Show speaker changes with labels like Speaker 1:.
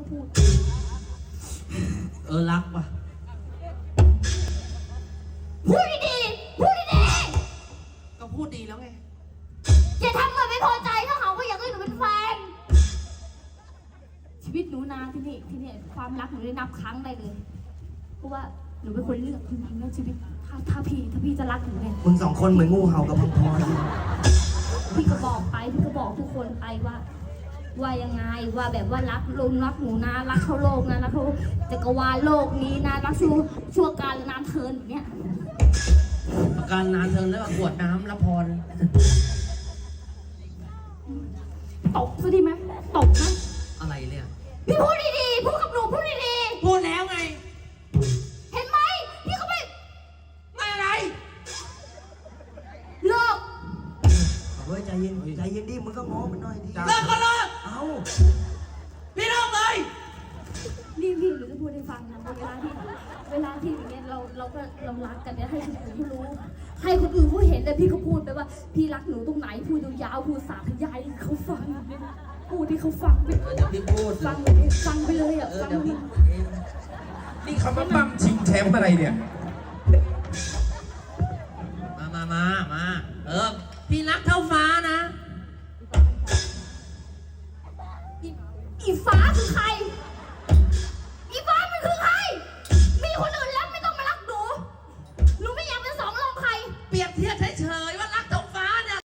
Speaker 1: พูด
Speaker 2: รักว่ะ
Speaker 1: พูดดีๆพูดดี
Speaker 2: ก็พูดดีแล้วไง
Speaker 1: ๆอย่าทำเหมือนไม่พอใจถ้าเขาก็อยากให้หนูเป็นแฟนชีวิตหนูนานที่นี่ความรักหนูได้นับครั้งได้เลยเพราะว่าหนูเป็นคนเลือกจริงๆนะชีวิตถ้าพี่จะรักหนูเนี่ย
Speaker 3: มึงสองคนเหมือนงูเห่ากับมังกร
Speaker 1: พี่ก็บอกทุกคนไปว่ายังไงว่าแบบว่ารักหนูนะรักเขาโลกนะรักเขาจักรวาลโลกนี้นะรักชั่วการนานเทินแบบเนี้ย
Speaker 2: ประการนานเทินแล้วขวดน้ำละพร
Speaker 1: ตบซะดีไหมตบนะ
Speaker 2: อะไรเนี่ย
Speaker 1: พี่พูดดีๆพูดกับหนูพูดดี
Speaker 2: ๆพูดแล้วไง
Speaker 1: เห็นไหมพี่เขาไม่
Speaker 2: อะไร
Speaker 1: เลิก
Speaker 3: เฮ้ยใจเย็นดิมึงก็ง้อมันหน่อยดิ
Speaker 2: เลิกก็เลิก
Speaker 3: เอ้า
Speaker 2: พี่เลิกเลย
Speaker 1: นี่พี่หนูจะพูดให้ฟังนะเวลาที่อย่างเงี้ยเรารักกันเนี่ยให้คนอื่นเขารู้ให้คนอื่นเขาเห็นแต่พี่เขาพูดไปว่าพี่รักหนูตรงไหนพูดยาวพูดสาธยายเขาฟังพูดที่เขาฟังไป
Speaker 2: เดี๋ยวพี่พูด
Speaker 1: ฟังไปเลยอ่ะฟัง
Speaker 4: นี่เขามาปั้มชิงแชมป์อะไรเนี่ย
Speaker 2: มาพี่รักเท่าฟ้านะ
Speaker 1: อีฟ้าคือใคร